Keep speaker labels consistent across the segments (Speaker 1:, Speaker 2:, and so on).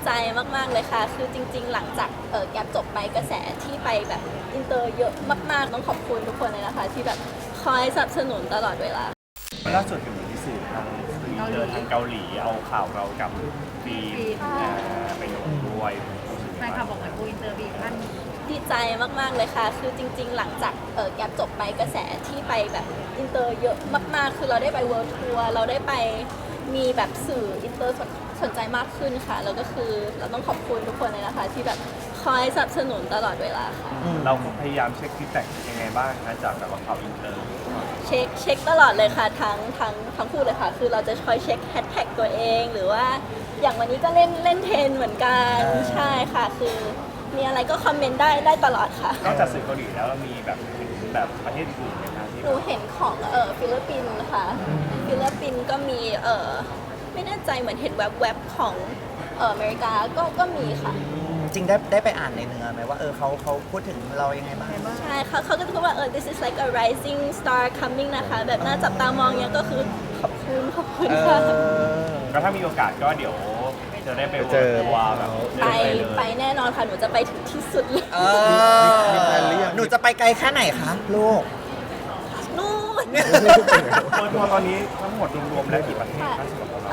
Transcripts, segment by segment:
Speaker 1: ใจมากๆเลยค่ะคือจริงๆหลังจากแกปจบไปกระแสที่ไปแบบอินเตอร์เยอะมากๆต้องขอบคุณทุกคนเลยนะคะที่แบบคอยสนับสนุนตลอดเวลา
Speaker 2: ล่าสุดเห็นมีสื่อทางทางเกาหลีเอาข่าวเรากับฟีนไปลงด้วย
Speaker 3: แฟนคลับบอกเหมือนกูอินเตอร์บีท่าน
Speaker 1: ดีใจมากๆเลยค่ะคือจริงๆหลังจากแกปจบไปกระแสที่ไปแบบอินเตอร์เยอะมากๆคือเราได้ไปเวิลด์ทัวร์เราได้ไปมีแบบสื่ออินเตอร์สนใจมากขึ้นค่ะแล้วก็คือเราต้องขอบคุณทุกคนเลยนะคะที่แบบคอยสนับสนุนตลอดเวลาค่ะ
Speaker 2: เราพยายามเช็คฟีดแบ็กยังไงบ้างนะจากแบบว่าข่าวอินเตอร์
Speaker 1: เช็คตลอดเลยค่ะทั้งคู่เลยค่ะคือเราจะคอยเช็คแฮชแท็กตัวเองหรือว่าอย่างวันนี้ก็เล่นเทรนเหมือนกันใช่ค่ะคือมีอะไรก็คอมเมนต์ได้ตลอดค่ะ
Speaker 2: นอกจากสื่อเกาหลีแล้วเรามีแบบประเทศอื่นไหมคะที่
Speaker 1: หนูเห็นของฟิลิปปินส์ค่ะฟิลิปปินส์ก็มีไม่แน่ใจเหมือนเห็นแวบๆของอเมริกาก็มีค่ะ
Speaker 4: จริงได้ไปอ่านในเนื้อไหมว่าเขาพูดถึงเรายังไงบ้าง
Speaker 1: ใช่เขาก็จะพูดว่าthis is like a rising star coming นะคะแบบน่าจับตามองเนี่ยก็คือขอบคุณค่ะ
Speaker 2: ก็ถ้ามีโอกาสก็เดี๋ยวจะได้ไปเจอว่าแบบ
Speaker 1: ไปแน่นอนค่ะหนูจะไปถึงที่สุดเลย
Speaker 4: หนูจะไปไกลแค่ไหนคะลูก
Speaker 1: นู่น
Speaker 2: ทัวร์ตอนนี้ทั้งหมดรวมๆแล้วกี่ประเทศคะสำหรับเรา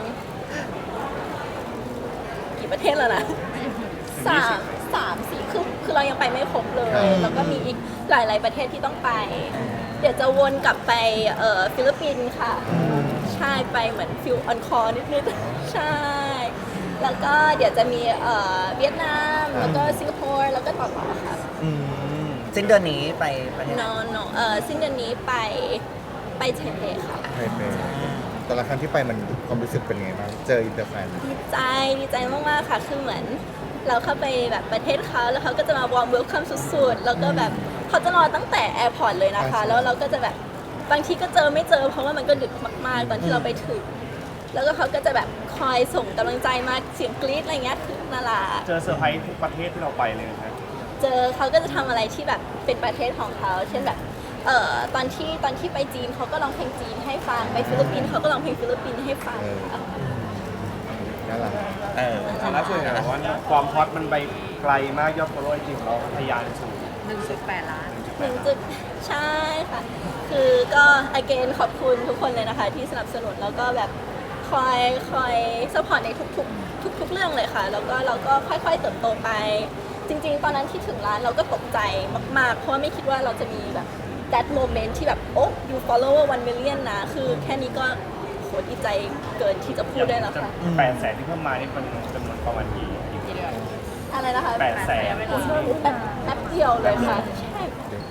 Speaker 1: กี่ประเทศแล้วนะสามสี่คือเรายังไปไม่ครบเลยแล้วก็มีอีกหลายๆประเทศที่ต้องไปเดี๋ยวจะวนกลับไปฟิลิปปินส์ค่ะใช่ไปเหมือนฟิลออนคอร์นิดๆใช่แล้วก็เดี๋ยวจะมีเวียดนามแล้วก็สิงคโปร์แล้วก็ต่อค่ะ
Speaker 4: สิ้นเดือนนี้ไปประเทศ
Speaker 1: no สิ้นเดือนนี้ไปไทเปค่ะ
Speaker 5: ไทเปแต่ละครั้งที่ไปมันความรู้สึกเป็นไงบ้างเจออินเตอร์แฟน
Speaker 1: ดีใจมากๆค่ะคือเหมือนเราเข้าไปแบบประเทศเขาแล้วเขาก็จะมาวอร์มเวลคัมสุดๆแล้วก็แบบเขาจะรอตั้งแต่แอร์พอร์ตเลยนะคะแล้วเราก็จะแบบบางทีก็เจอไม่เจอเพราะว่ามันก็ดึกมากๆตอนที่เราไปถึงแล้วก็เขาก็จะแบบคอยส่งกำลังใจมาเสียงกรี๊ดอะไรเงี้ยคือน่ารัก
Speaker 2: เจอเซอร์ไพรส์ทุกประเทศที่เราไปเลยครับ
Speaker 1: เจอเขาก็จะทำอะไรที่แบบเป็นประเทศของเขาเช่นแบบตอนที่ไปจีนเขาก็ร้องเพลงจีนให้ฟังไปฟิลิปปินส์เขาก็ร้องเพลงฟิลิปปินส์ให้ฟัง
Speaker 5: น่ารัก
Speaker 2: ล่าสุดเนี่ยว่าความฮอตมันไปไกลมากยอดฟอลโล่จริงเราทะยานสูง
Speaker 3: 1.8 ล้าน
Speaker 1: ใช่ค่ะคือก็ again ขอบคุณทุกคนเลยนะคะที่สนับสนุนแล้วก็แบบคอยซัพพอร์ตในทุกเรื่องเลยค่ะแล้วก็เราก็ค่อยๆเติบโตไปจริงๆตอนนั้นที่ถึงร้านเราก็ตกใจมากๆเพราะว่าไม่คิดว่าเราจะมีแบบ that moment ที่แบบโอ้ you follower 1 million นะคือแค่นี้ก็โหดีใจเกินที่จะพูดได้แล้วค่ะ
Speaker 2: 800,000ที่เพิ่มมานี่เป็นจำนวนประมาณกี่
Speaker 3: เดือน
Speaker 1: อะไรนะคะ
Speaker 2: 800,000คน
Speaker 1: แป๊บเดียวเลยค่ะใช่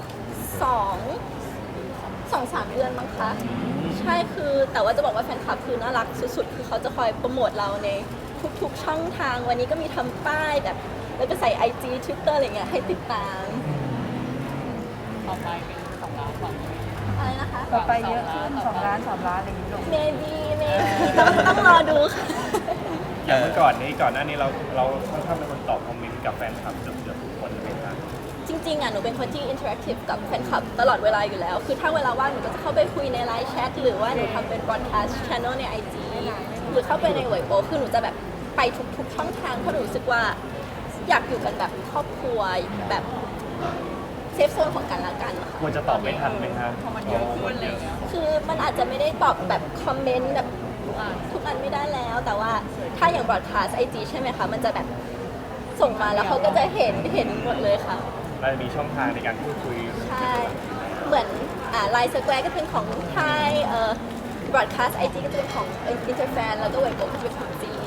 Speaker 1: 2-3 เดือนมั้งคะใช่คือแต่ว่าจะบอกว่าแฟนคลับคือน่ารักสุดๆคือเขาจะคอยโปรโมทเราในทุกๆช่องทางวันนี้ก็มีทำป้ายแบบแล้วก็ใส่ IG Twitter อะไรเงี้ยให้ติดตาม
Speaker 3: ต่อไปเป็น2 ล้านฝั่ง
Speaker 1: อะไรนะคะ
Speaker 3: ต่อไปเยอะขึ้น2 ล้าน3 ล้านอะไรอย่างนี้หรอ
Speaker 1: maybe ต้องรอดูค่ะ
Speaker 2: อย่างเมื่อก่อนหน้านี้เราค่อนข้างเป็นคนตอบคอมเมนต์กับแฟนคลับเกือบทุกคนเลยครับ
Speaker 1: จริงๆอ่ะหนูเป็นคนที่อินเทอร์แอคทีฟกับแฟนคลับตลอดเวลาอยู่แล้วคือถ้าเวลาว่างหนูก็จะเข้าไปคุยในไลน์แชทหรือว่าหนูทำเป็นบล็อดแคสต์ช่องใน IG หรือเข้าไปในเว็บโอคือหนูจะแบบไปทุกช่องทางเพราะหนูรู้สึกว่าอยากอยู่กันแบบครอบครัวแบบเซฟโซนของกันและกันค่ะ
Speaker 2: ควรจะตอบไม่ทันไหมคะ
Speaker 3: พอมันเยอะขึ้นเลย
Speaker 1: คือมันอาจจะไม่ได้ตอบแบบคอมเมนต์แบบทุกอันไม่ได้แล้วแต่ว่าถ้าอย่างบล็อดแคสต์ IG ใช่ไหมคะมันจะแบบส่งมาแล้วเขาก็จะเห็นหมดเลยค่ะ
Speaker 2: เราจะมีช่องทางในการพูดคุย
Speaker 1: ใช่เหมือนไลน์สแควร์ก็เป็นของไทยบล็อดแคสต์ IG ก็จะเป็นของอินเตอร์แฟนแล้วก็เว็บก็จะเป็นของจีน